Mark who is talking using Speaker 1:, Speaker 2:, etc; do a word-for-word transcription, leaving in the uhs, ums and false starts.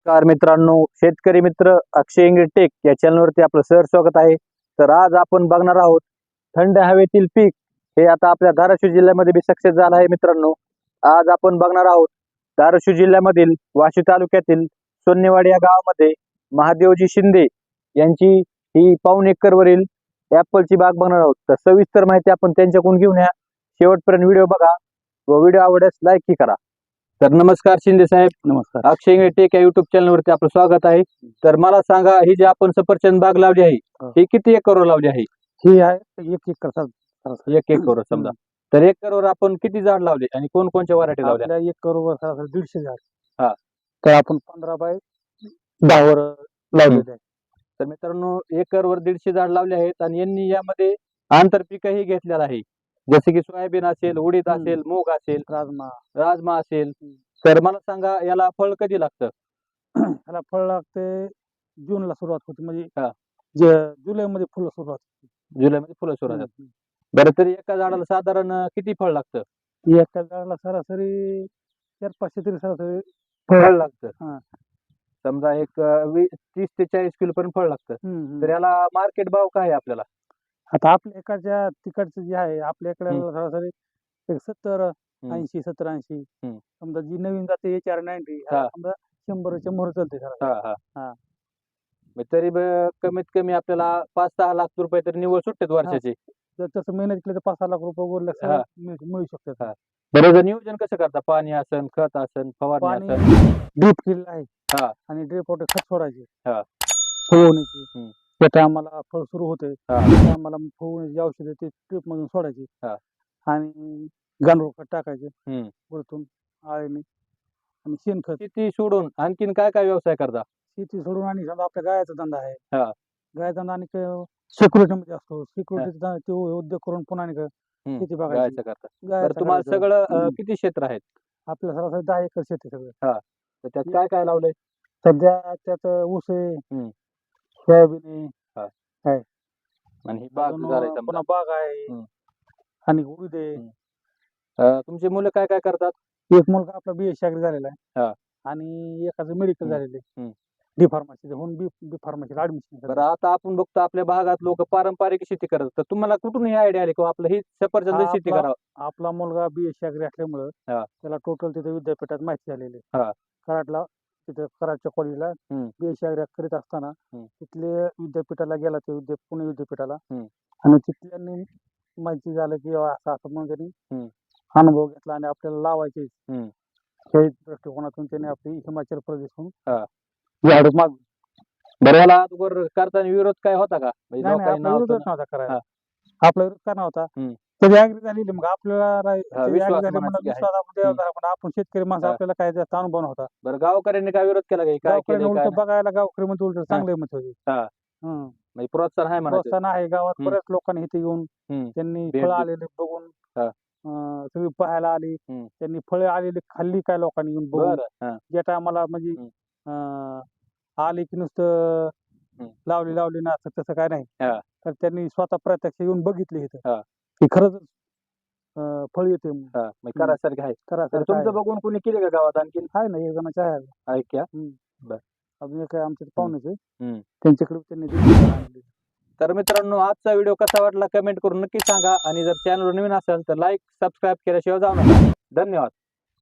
Speaker 1: नमस्कार मित्रांनो, शेतकरी मित्र अक्षय इंगळे टेक या चॅनलवरती आपलं सहर्ष स्वागत आहे. तर आज आपण बघणार आहोत थंड हवेतील पीक हे आता आपल्या धाराशिव जिल्ह्यामध्ये बी सक्सेस झालं आहे. मित्रांनो, आज आपण बघणार आहोत धाराशिव जिल्ह्यामधील वाशी तालुक्यातील सोन्नेवाडी या गावामध्ये महादेवजी शिंदे यांची ही पाऊण एकरवरील ऍपलची बाग बघणार आहोत. तर सविस्तर माहिती आपण त्यांच्याकडून घेऊन या. शेवटपर्यंत व्हिडिओ बघा व व्हिडिओ आवडल्यास लाईक करा. तर नमस्कार शिंदे साहेब.
Speaker 2: नमस्कार.
Speaker 1: अक्षय इंगळे टेक या युट्यूब चॅनल वरती आपलं स्वागत आहे. तर मला सांगा, ही जी आपण सफरचंद बाग लावली आहे ही किती एकरवर लावली आहे?
Speaker 2: ही आहे एक एकर सरासरी.
Speaker 1: एक एकरवर समजा. तर एकरवर आपण किती झाड लावले आणि कोणकोणत्या व्हरायटी लावल्या?
Speaker 2: आपल्या एक करोडवर सरासरी दीडशे झाड.
Speaker 1: हा.
Speaker 2: तर आपण पंधरा बाय दहा वर लावलेले आहे.
Speaker 1: तर मित्रांनो, एकरवर दीडशे झाड लावले आहेत आणि यांनी यामध्ये आंतरपीकही घेतलेलं आहे, जसे की सोयाबीन असेल, उडीद असेल, मूग असेल,
Speaker 2: राजमा
Speaker 1: राजमा असेल. तर मला सांगा, याला फळ कधी लागतं?
Speaker 2: ह्याला फळ लागते जूनला सुरुवात होते,
Speaker 1: हा.
Speaker 2: म्हणजे जे जुलै मध्ये फुलं सुरुवात होते.
Speaker 1: जुलैमध्ये फुलं सुरू होतात.
Speaker 2: हम्म.
Speaker 1: बरं, तरी एका झाडाला साधारण किती फळ लागतं?
Speaker 2: एका झाडाला सरासरी चार पाचशे तरी सरासरी
Speaker 1: फळ लागतं.
Speaker 2: हा.
Speaker 1: समजा एक अं, वीस तीस ते चाळीस किलो पर्यंत फळ लागतं.
Speaker 2: हम्म.
Speaker 1: तर याला मार्केट भाव काय आहे आपल्याला?
Speaker 2: आता आपल्या एकाच्या तिकडचं जे आहे आपल्या इकडे
Speaker 1: हम्म.
Speaker 2: सरासरी एक सत्तर ऐंशी सत्तर ऐंशी.
Speaker 1: हम्म.
Speaker 2: समजा जी नवीन जाते एच आर नाईन्टी
Speaker 1: हा.
Speaker 2: समजा शंभरच्या मोहर चालते सर.
Speaker 1: हा हा
Speaker 2: हा.
Speaker 1: मग तरी ब- कमीत कमी आपल्याला पाच सहा लाख रुपये तरी निव्वळ सुटतात वर्षाचे.
Speaker 2: जर तसं मेहनत केलं तर पाच सहा लाख रुपये
Speaker 1: हा.
Speaker 2: उरल्या मिळू शकतात.
Speaker 1: हा. बरं, जर नियोजन कसं करता? पाणी असन, खत असन, फवारणी
Speaker 2: पाणी
Speaker 1: असन?
Speaker 2: ड्रीप केलेलं आहे
Speaker 1: हा.
Speaker 2: आणि ड्रीप वॉटर खत सोडायचे,
Speaker 1: हा.
Speaker 2: फवारणीची.
Speaker 1: हम्म.
Speaker 2: त्या टायमाला फळ सुरू होते
Speaker 1: हा.
Speaker 2: त्या टायमाला फवारणीची औषधं ते ड्रीप मधून सोडायची
Speaker 1: हा.
Speaker 2: आणि गांडूळ खत टाकायचे
Speaker 1: हम्म.
Speaker 2: वरतून आळीने आणि शेणखत.
Speaker 1: शेती सोडून आणखीन काय काय व्यवसाय करता?
Speaker 2: शेती सोडून आणि समजा आपल्या गायचा धंदा आहे.
Speaker 1: हा.
Speaker 2: गायचा धंदा आणि सिक्युरिटी मध्ये असतो. सिक्युरिटीचा ते उद्योग करून पुन्हा आणि
Speaker 1: हम्म.
Speaker 2: शेती बघायची.
Speaker 1: गायचं करता.
Speaker 2: गायचं
Speaker 1: बरं, तुम्हाला
Speaker 2: करायचं.
Speaker 1: सगळं अं,
Speaker 2: हम्म.
Speaker 1: किती क्षेत्र आहेत?
Speaker 2: आपल्या सरासरी दहा एकर शेती सगळं.
Speaker 1: तर त्यात काय काय लावलंय?
Speaker 2: सध्या त्यात ऊस आहे,
Speaker 1: हम्म.
Speaker 2: सोयाबीन आहे,
Speaker 1: हा.
Speaker 2: आहे.
Speaker 1: आणि ही बाग
Speaker 2: अजून
Speaker 1: झाली समजा.
Speaker 2: पुन्हा बाग आहे
Speaker 1: हम्म.
Speaker 2: आणि उडीद आहे.
Speaker 1: हम्म. अं, तुमची मुलं काय काय करतात?
Speaker 2: एक मुलगा आपला बी एस सी झालेला
Speaker 1: हा.
Speaker 2: आहे आणि एकाचं मेडिकल
Speaker 1: हम्म.
Speaker 2: झालेलं आहे
Speaker 1: हम्म.
Speaker 2: डी फार्मसी होऊन बी बी फार्मसी ऍडमिशन.
Speaker 1: बरं, आता आपण बघतो आपल्या भागात लोक पारंपरिक शेती करतात. तर तुम्हाला कुठून ही आयडिया आली किंवा आपलं ही सफरचंद
Speaker 2: हा,
Speaker 1: शेती
Speaker 2: आपला-
Speaker 1: करावं?
Speaker 2: आपला मुलगा बी एस सी असल्यामुळं
Speaker 1: हा.
Speaker 2: त्याला टोटल तिथे विद्यापीठात माहिती झालेली आहे.
Speaker 1: हा.
Speaker 2: कराडला तिथे कराडच्या कॉलेजला
Speaker 1: हम्म.
Speaker 2: बी एस सी करीत असताना
Speaker 1: हम्म.
Speaker 2: तिथले विद्यापीठाला गेला ते विद्या पुणे विद्यापीठाला
Speaker 1: हम्म.
Speaker 2: आणि तिथल्यांनी माहिती झालं की बाबा असं असं म्हणून त्यांनी
Speaker 1: हम्म.
Speaker 2: अनुभव घेतला आणि आपल्याला लावायचे
Speaker 1: हम्म.
Speaker 2: हे दृष्टिकोनातून त्याने आपली हिमाचल प्रदेशहून
Speaker 1: हा.
Speaker 2: झाड माग
Speaker 1: बरं, याला अगोदर करताना विरोध काय होता का? म्हणजे
Speaker 2: नाही नाही
Speaker 1: लोकांनी
Speaker 2: आपला
Speaker 1: नाव
Speaker 2: विरोधच
Speaker 1: पण-
Speaker 2: नव्हता करायला.
Speaker 1: हा.
Speaker 2: आपला विरोध का नव्हता.
Speaker 1: हम्म.
Speaker 2: त्याची ऍग्री झालेली मग आपल्याला राही-
Speaker 1: हा,
Speaker 2: त्याची
Speaker 1: विश्वास
Speaker 2: agree झाली
Speaker 1: मनात
Speaker 2: म्हणून
Speaker 1: आहे.
Speaker 2: विश्वास आपण त्यावर धरा. पण आपण शेतकरी माणसं
Speaker 1: हा.
Speaker 2: आपल्याला काय जास्त अनुभव नव्हता.
Speaker 1: बरं, गावकऱ्यांनी काय विरोध केला काही? काय
Speaker 2: गावकऱ्यांनी
Speaker 1: केलं काय
Speaker 2: उलट बघायला गावकरी मध्ये उलट चांगले मत होते.
Speaker 1: हा.
Speaker 2: हं.
Speaker 1: म्हणजे प्रोत्साहन आहे म्हणायचं.
Speaker 2: प्रोत्साहन आहे गावात.
Speaker 1: हम्म.
Speaker 2: बऱ्याच लोकांनी इथे येऊन
Speaker 1: हम्म.
Speaker 2: त्यांनी
Speaker 1: भेट
Speaker 2: फळं
Speaker 1: दिली.
Speaker 2: आलेले बघून
Speaker 1: हा.
Speaker 2: अं, सगळी पाहायला आली.
Speaker 1: हम्म.
Speaker 2: त्यांनी फळे आलेली खाल्ली काय लोकांनी येऊन बघून.
Speaker 1: बरं. हा.
Speaker 2: ज्या टायमाला म्हणजे
Speaker 1: हम्म.
Speaker 2: अं, आली की नुसतं
Speaker 1: हम्म.
Speaker 2: लावली लावली ना असं तसं काय नाही.
Speaker 1: हा.
Speaker 2: तर त्यांनी स्वतः प्रत्यक्ष येऊन बघितले इथं
Speaker 1: हा.
Speaker 2: की खरंच अं, फळ येते म्हणून.
Speaker 1: हा. म्हणजे करासारखं आहे. तर
Speaker 2: करायचं
Speaker 1: तुमचं बघून कोणी केले का गावात आणखीन?
Speaker 2: आहे ना एक जणाच्या आहे.
Speaker 1: ऐक्या.
Speaker 2: अजून एक आमच्या पाहुण्याचे
Speaker 1: हम्म.
Speaker 2: त्यांच्याकडे त्यांनी दिली आणली.
Speaker 1: तर मित्रांनो, आजचा व्हिडिओ कसा वाटला कमेंट करून नक्की सांगा आणि जर चॅनलवर नवीन असेल तर लाईक सबस्क्राईब केल्याशिवाय जाऊ नका. धन्यवाद.